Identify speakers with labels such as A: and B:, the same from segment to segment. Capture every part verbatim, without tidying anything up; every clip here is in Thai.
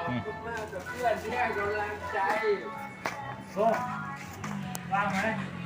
A: อบคุณมากกับเพื่อนที่ให้กำลังใจ
B: โซ่ว่างไหม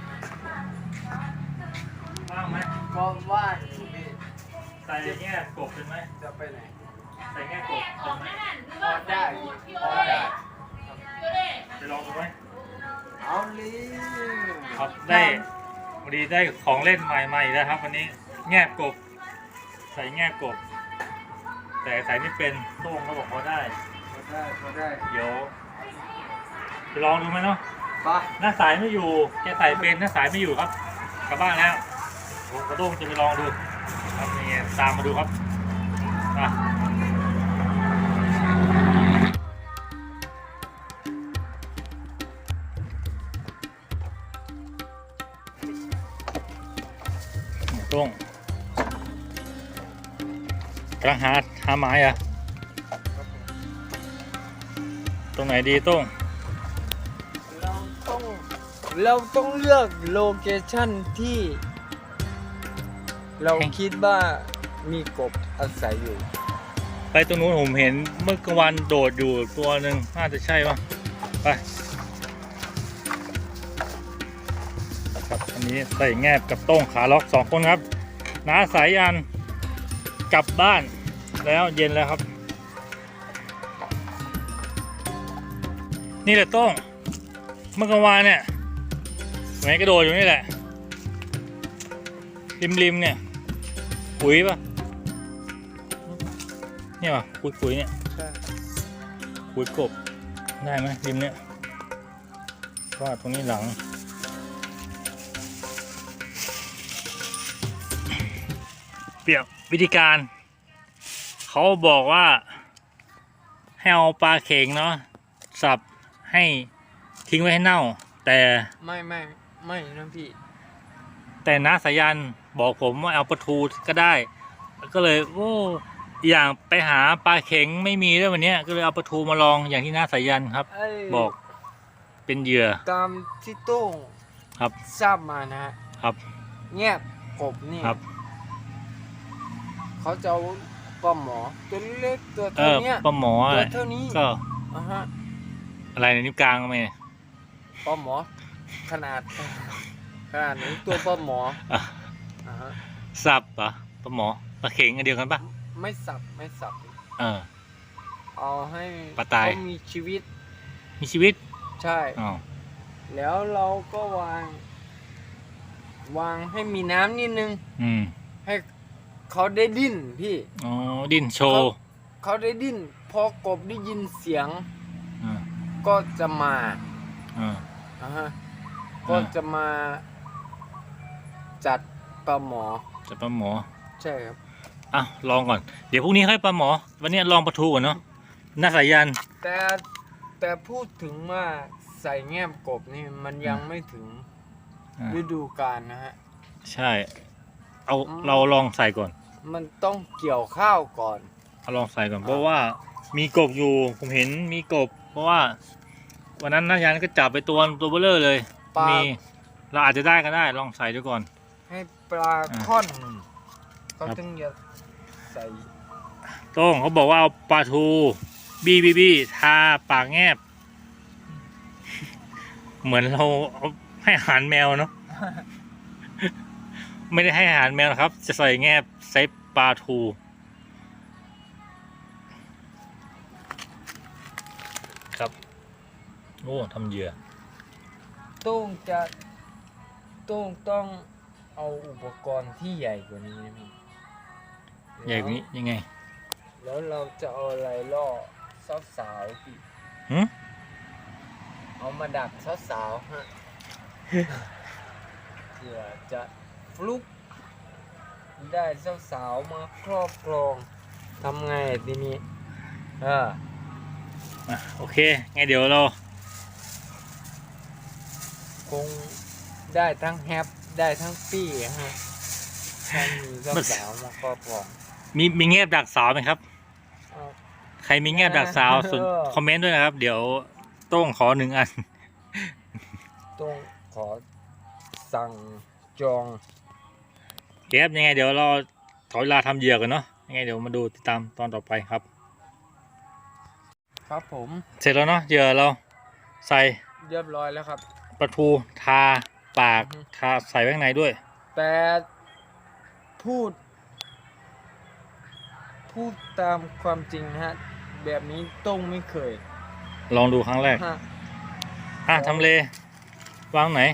B: ว่างไหม
A: ก็ว่างอยู่พี่
B: ใส่แง่กบเป็นไหม
A: จะไปไหน
B: ใส่แง่กบเป็นไหม
A: พอได้พอได้
B: จะลองดูไหม
A: เอาลี
B: ครับได้พอดีได้ของเล่นใหม่ๆแล้วครับวันนี้แง่กบใส่แง่กบแต่ใส่ไม่เป็นโต้งเขาบอกพอได้
A: พอได้พอได้
B: เดี๋ยวจะลองดูไหมเนาะ
A: ปะ
B: หน้าสายไม่อยู่แกใส่เป็นหน้าสายไม่อยู่ครับกลับบ้านแล้วผมกระโดงจะไปลองดูครับนี่ตามมาดูครับอ่ะต้งกำลังหาหาไม้อะตรงไหนดีต้ง
A: เราต้องเราต้องเลือกโลเคชั่นที่เราคิดว่ามีกบอาศัยอยู่
B: ไปตรงนู้นผมเห็นเมื่อกลางวันโดดอยู่ตัวหนึ่งน่าจะใช่ป่ะไปครับอันนี้ใส่แงบกับโต้งขาล็อกสองคนครับน้าสายยันกลับบ้านแล้วเย็นแล้วครับนี่แหละโต้งเมื่อกลางวันเนี่ยแหมกระโดดอยู่นี่แหละริมๆเนี่ยปุ๋ยป่ะเนี่ยป่ะปุ๋ยปุ๋ยเนี่ย
A: ใช่
B: ปุ๋ยกบได้ไหมริมเนี่ยว่าตรงนี้หลังเปรียบวิธีการเขาบอกว่าให้เอาปลาเข็งเนาะสับให้ทิ้งไว้ให้เน่าแต่
A: ไม่ไม่ไม่นะพี่
B: แต่น้าสายันบอกผมว่าเอาปลาทูก็ได้ก็เลยโอ้อย่างไปหาปลาเข็งไม่มีด้วยวันนี้ก็เลยเอาปลาทูมาลองอย่างที่น้าสายันครับบอกเป็นเหยื่อ
A: ตามที่โต้ง
B: ครับ
A: ทราบมานะฮะ
B: ครับ
A: เงียบกบนี่
B: ครับ
A: เขาจะเอาปลาหมอตัวเล็กตัวเท่านี้
B: ปลาหมอ
A: ตัวเท่านี้
B: ก็
A: อ่ะฮะ
B: อะไรในนิ้วกลางไหม
A: ปลาหมอขนาดขนาดนี้ตัวปลาหมออ่ะฮะ
B: สับปะปลาหมอปลาเข็งอันเดียวกันปะ
A: ไม่สับไม่สับ
B: เออ
A: เอาให้
B: ปลาตาย
A: มีชีวิต
B: มีชีวิต
A: ใช่แล้วเราก็วางวางให้มีน้ำนิดนึง
B: อืม
A: ให้เขาได้ดิ้นพี่
B: อ๋อดิ้นโชว์
A: เขาได้ดิ้นพอกบได้ยินเสียงก็จะมา
B: อ่า
A: อ่าฮะก็จะมาจัดปลาหมอ
B: จัดปลาหมอ
A: ใช่ครับ
B: อ่ะลองก่อนเดี๋ยวพรุ่งนี้ให้ปลาหมอวันนี้ลองปลาทูก่อนเนาะน่าสายัน
A: แต่แต่พูดถึงว่าใส่แง้มกบนี่มันยังไม่ถึงฤดูกาลนะฮะ
B: ใช่เอาเราลองใส่ก่อน
A: มันต้องเกี่ยวข้าวก่อน
B: เอาลองใส่ก่อนเพราะว่ามีกบอยู่ผมเห็นมีกบเพราะว่าวันนั้นน้ายันก็จับไปตัวตัวเบลเลอร์เลยมีเราอาจจะได้ก็ได้ลองใส่ดูก่อน
A: ให้ปลาค่อนเขาถึงจะใส่
B: โต้งเขาบอกว่าเอาปลาทูบีบีบีทาปากแงบเหมือนเราให้อาหารแมวเนาะไม่ได้ให้อาหารแมวนะครับจะใส่แงบใส่ปลาทูครับโอ้ทำเหยื่อ
A: ต้องจะต้องต้องเอาอุปกรณ์ที่ใหญ่กว่านี้นะพี่
B: ใหญ่กว่านี้ยังไง
A: แล้วเราจะเอาอะไรล่อสาวๆพี่
B: หืม
A: เอามาดักสาวๆฮะเพื่อจะฟลุกได้สาวๆมาครอบครองทำไงทีนี้เออ
B: อ่ะโอเคไงเดี๋ยวเรา
A: คงได้ทั้งแฮปได้ทั้งปี้ฮะถ้ามีสาวๆมาครอบครอง
B: มีมีเงียบดักสาวไหมครับใครมีเงียบดักสาวส่วนคอมเมนต์ด้วยนะครับเดี๋ยวต้องขอหนึ่งอัน
A: ต้องขอสั่งจอง
B: เก็บยังไงเดี๋ยวเราขอเวลาทำเหยื่อกันเนาะยังไงเดี๋ยวมาดูติดตามตอนต่อไปครับ
A: ครับผม
B: เสร็จแล้วเนาะเหยื่อเราใส่
A: เรียบร้อยแล้วครับ
B: ปลาทูทาปาก
A: อือฮึ
B: ทาใส่ไว้ข้างในด้วย
A: แต่พูด พูดตามความจริงนะฮะ แบบนี้ต้องไม่เคย
B: ลองดูครั้งแรก
A: ฮะ
B: อ่ะทำเล วางไหน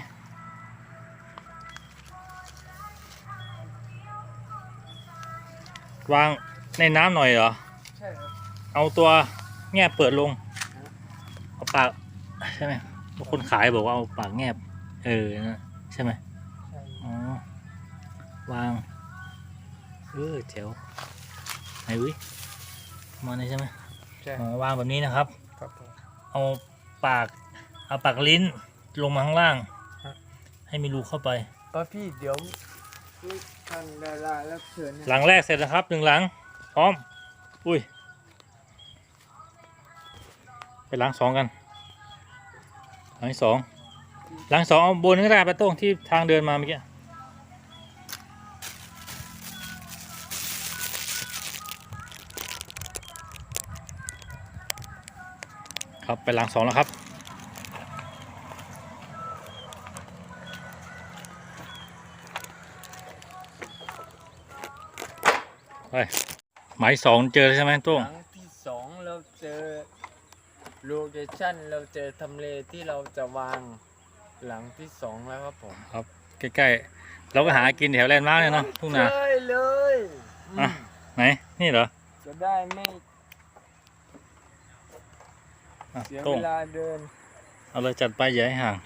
B: วางในน้ำหน่อยเหรอ
A: ใช่ครับ
B: เอาตัวแงบเปิดลง เอาปากใช่ไหมคนขายบอกว่าเอาปากแงบ เออนะใช่ไหม
A: ใช่
B: อ๋อ วาง เออเจ๋วไหนวิมาเลยใช่ไหม
A: ใช่
B: อ๋อวางแบบนี้นะครับ
A: ครับผม
B: เอาปาก เอาปากลิ้นลงมาข้างล่าง
A: ฮะ
B: ให้มีรูเข้าไป
A: ป้าพี่เดี๋ยวทางดารารับเชิญ
B: หลังแรกเสร็จแล้วครับหนึ่งหลัง พร้อม อุ้ย ไปหลังสองกัน หลังที่สอง หลังสองเอาบนก็ได้ไปโต้งที่ทางเดินมาเมื่อกี้ครับไปหลังสองแล้วครับไปหมายสองเจอใช่ไหมโต้ง
A: หลังที่สองเราเจอโลเคชั่นเราเจอทำเลที่เราจะวางหลังที่สองแล้วครับผม
B: ครับใกล้ๆเราก็หากินแถวแลนด์มาร์กเนี่ยเนาะทุ่งนา
A: ใช่เลย
B: อ่ะ ไหนนี่เหรอ
A: จะได้ไม่
B: อ่ะ
A: เสีย
B: โต้
A: เว
B: ง
A: ลาเดิน
B: เอาเลยจัดไปอย่าให้ห่าง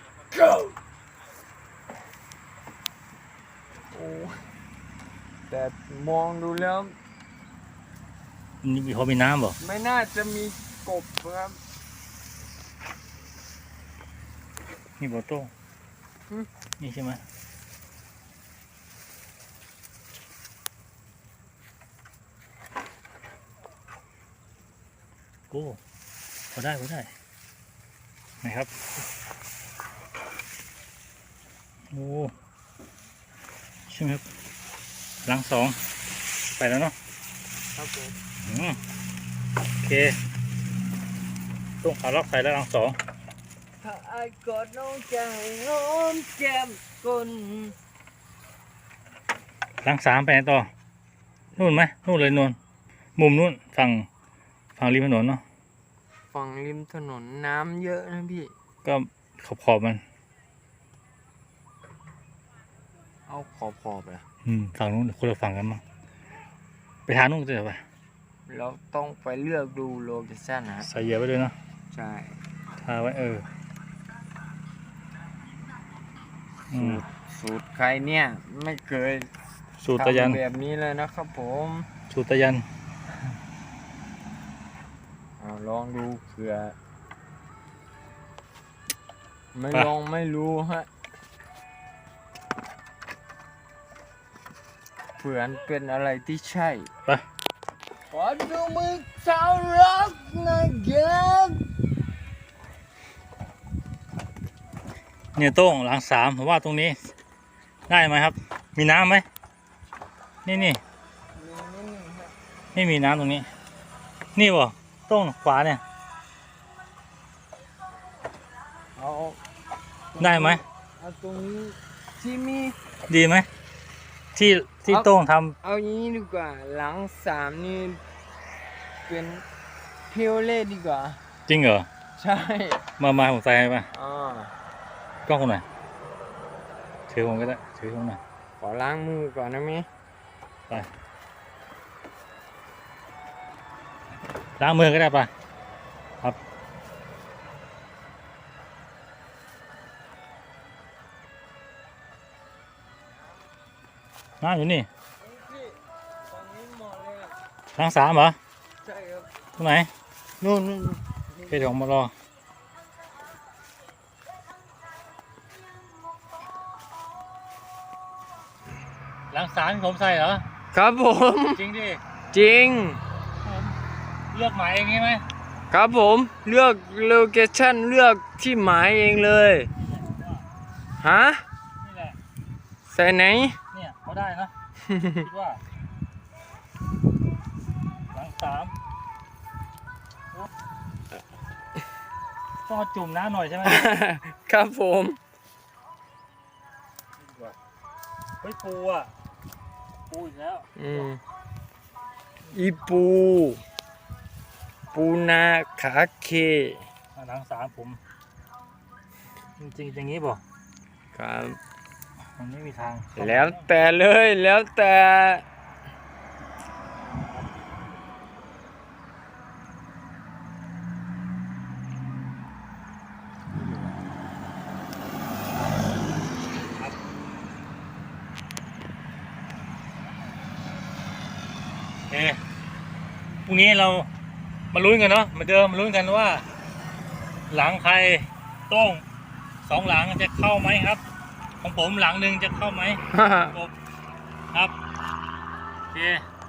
A: โอ้แต่มองดูแล้ว
B: นี่มีพอมีน้ำบ่
A: ไม่น่าจะมีกบครับ
B: นี่บ่โต้ง
A: หึ
B: นี่ใช่ไหมโอ้พอได้พอได้นะครับโอ้ใช่ไหมครับหลังสองไปแล้วเนาะ
A: ครับผม
B: อืมโอเคต้องขาล็อกใส่แล้วหลังสอง
A: ถ้าไอ้กอดน้องจะให้น้อมแก้มก้น
B: หลังสามไปไหนต่อนู่นไหมนู่นเลยนวลมุมนู่นฝั่งฝั่งริมถนนเนาะ
A: ฝั่งริมถนนน้ำเยอะนะพี่
B: ก็ขอบขอบมัน
A: เอาขอบขอบๆอะ
B: อืมฝั่งนู้นคนละฝั่งกันมั้งไปทางนู้นจะไป
A: เราต้องไปเลือกดูโลเคชั่นนะฮะ
B: ใส่เหยื่อไว้ด้วยเนาะ
A: ใช่
B: ทาไว้เอออืม
A: สูตรใครเนี่ยไม่เคย
B: สูตรตะยัน
A: ทำแบบนี้เลยนะครับผม
B: สูตรตะยัน
A: เอาลองดูเผื่อไม่
B: ไป
A: ลองไม่รู้ฮะเผื่อเป็นอะไรที่ใช่
B: ไป
A: ขอดูมือสาวรักนะครับ
B: เนี่ยโต้งหลังสามผมว่าตรงนี้ ได้ไหมครับ มีน้ำไหมนี่นี่
A: มีนิดนึงฮะ
B: ไม่มีน้ำตรงนี้ นี่บ่โต้งขวาเนี่ย
A: เอา
B: ได้ไหม
A: เอาตรงนี้ที่มี
B: ดีไหมที่ที่
A: เอา
B: โต้งท
A: เอาอย่างนี้ดีกว่าหลังสามนี่เป็นเพียวเล่ดีกว่า
B: ำจริงเหรอ
A: ใช่
B: มามาผมใส่ให้ป่ะ
A: อ่าก
B: ล้องคนไหนอยถือผมก็ได้ถือผมหน่อย
A: ขอล้างมือก่อนนะมิ
B: ไปล้างมือก็ได้ป่ะครับน้ำอยู่นี่
A: พี่ตอนนี้หมดเลยอะ
B: ล้างสามเหรอ
A: ใช่ครับ
B: ตรงไหน
A: นู่นนู่น
B: เพจของมารอล้างสามที่ผมใส่เหรอ
A: ครับผม
B: จริงดิ
A: จริง
B: ผมเลือกหมายเองใช่ไหม
A: ครับผมเลือกโลเคชั่นเลือกที่หมายเองเลยฮะ
B: นี่แหละ
A: ใส่ไหน
B: เนี่ยเขาได้นะ คิดว่าหลังสามต้องเอาจุ่มน้ำหน่อยใช่ไหม
A: ครับผม
B: เฮ้ยปูอ่ะปูอีกแล้ว
A: อืมอีปูปูนาขาเค
B: อ่ะหนังสามผมจริงๆอย่างนี้บ่
A: ครับ
B: มันไม่มีทาง
A: แล้วแต่เลยแล้วแต่
B: เอ๊ะพรุ่งนี้เรามาลุ้นกันเนาะเหมาเดิมมาลุ้นกันว่า หลังใครโต้งสองหลังจะเข้าไหมครับ ของผมหลังหนึ่งจะเข้าไหมครบครับโอเค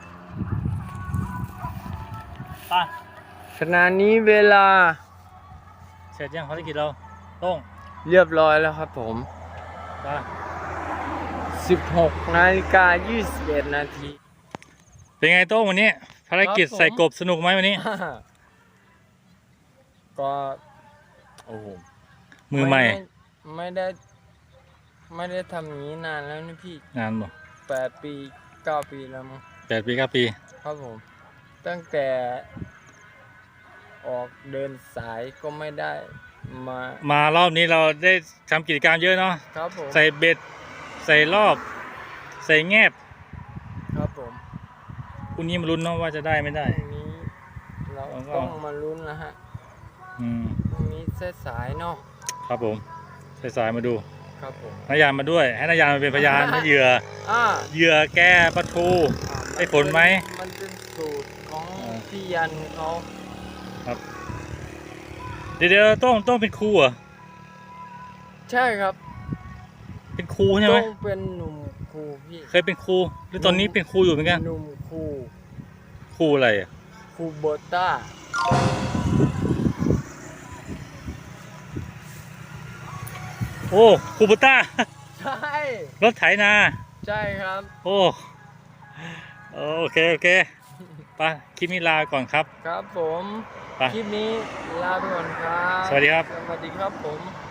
B: ไป
A: ขณะนี้เวลา
B: เสร็จยังภารกิจเราโต้ง
A: เรียบร้อยแล้วครับผม
B: ไป
A: สิบหกนาฬิกายี่สิบเอ็ดนาที
B: เป็นไงโต้งวันนี้ภารกิจ
A: ครับผม
B: ใส่กบสนุกไหมวันนี้
A: ก็โอ้โห
B: มือใหม่
A: ไได้ไม่ได้ ไม่ได้ทำอย่างนี้นานแล้วนี่พี่
B: งานบ่
A: แปดปีเก้าปีแล้วมั้ง
B: แปดปีเก้าปี
A: ครับผม ตั้งแต่ออกเดินสายก็ไม่ได้มาม
B: ารอบนี้เราได้ทำกิจกรรมเยอะเนาะ
A: ครับผม
B: ใส่เบ็ดใส่รอบ ใส่แงบ
A: ครับผม
B: พรุ่งนี้มาลุ้นเนาะว่าจะได้ไม่ได้
A: พรุ่งนี้เรา
B: แล้วก็
A: ต้องมาลุ้นแล้วฮะ
B: อืม
A: พรุ่งนี้สายๆเนาะ
B: ครับผมสายๆมาดู
A: ครับผม
B: นายานมาด้วย ให้นายานมาเป็นพยานให้เหยื่อ
A: อ่า
B: เหยื่อแก้ปลาทู
A: อ่า
B: ได้ผลไหม
A: มันเป็นสูตรของ
B: อ่า
A: พี่ยันเขา
B: เดี๋ยวเดี๋ยวต้องต้องเป็นครูเหรอ
A: ใช่ครับ
B: เป็นครูใช่ไหม
A: ต้องเป็นหนุ่มครูพี่
B: เคยเป็นครูหรือตอนนี้เป็นครูอยู่เหมือนกัน
A: หนุ่มครู
B: ครูอะไรอ่ะ
A: ครูโบต้า
B: โอ้ครูปุตต้า
A: ใช่
B: รถไถนา
A: ใช่ครับ
B: โอ้โอเคโอเคไปคลิปนี้ลาก่อนครับ
A: ครับผม
B: ไป
A: คลิปนี้ลาไปก่อนครับ
B: สวัสดีครับ
A: สวัสดีครับผม